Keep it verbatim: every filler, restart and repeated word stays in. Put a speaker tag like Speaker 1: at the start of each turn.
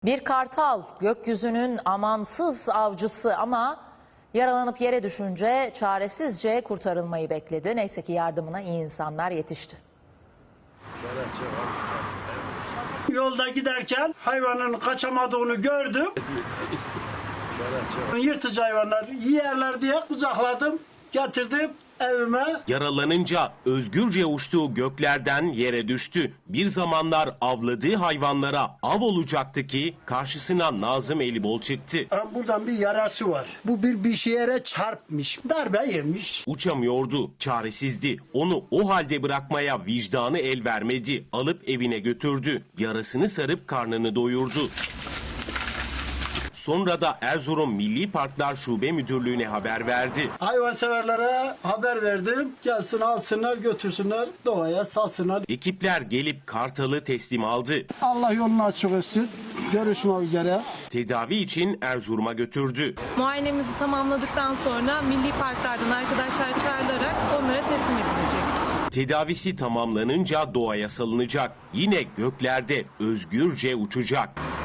Speaker 1: Bir kartal gökyüzünün amansız avcısı ama yaralanıp yere düşünce çaresizce kurtarılmayı bekledi. Neyse ki yardımına iyi insanlar yetişti.
Speaker 2: Yolda giderken hayvanın kaçamadığını gördüm. Yırtıcı hayvanlar yiyerler diye kucakladım, getirdim evime.
Speaker 3: Yaralanınca özgürce uçtuğu göklerden yere düştü. Bir zamanlar avladığı hayvanlara av olacaktı ki karşısına Nazım Elibol çıktı.
Speaker 2: Buradan bir yarası var. Bu bir bir şeye çarpmış, darbe yemiş.
Speaker 3: Uçamıyordu, çaresizdi. Onu o halde bırakmaya vicdanı el vermedi. Alıp evine götürdü. Yarasını sarıp karnını doyurdu. Sonra da Erzurum Milli Parklar Şube Müdürlüğü'ne haber verdi.
Speaker 2: Hayvanseverlere haber verdim. Gelsin alsınlar götürsünler doğaya salsınlar.
Speaker 3: Ekipler gelip kartalı teslim aldı.
Speaker 2: Allah yolunu açık etsin. Görüşmek üzere.
Speaker 3: Tedavi için Erzurum'a götürdü.
Speaker 4: Muayenemizi tamamladıktan sonra milli parklardan arkadaşlar çağrılarak onlara teslim edilecektir.
Speaker 3: Tedavisi tamamlanınca doğaya salınacak. Yine göklerde özgürce uçacak.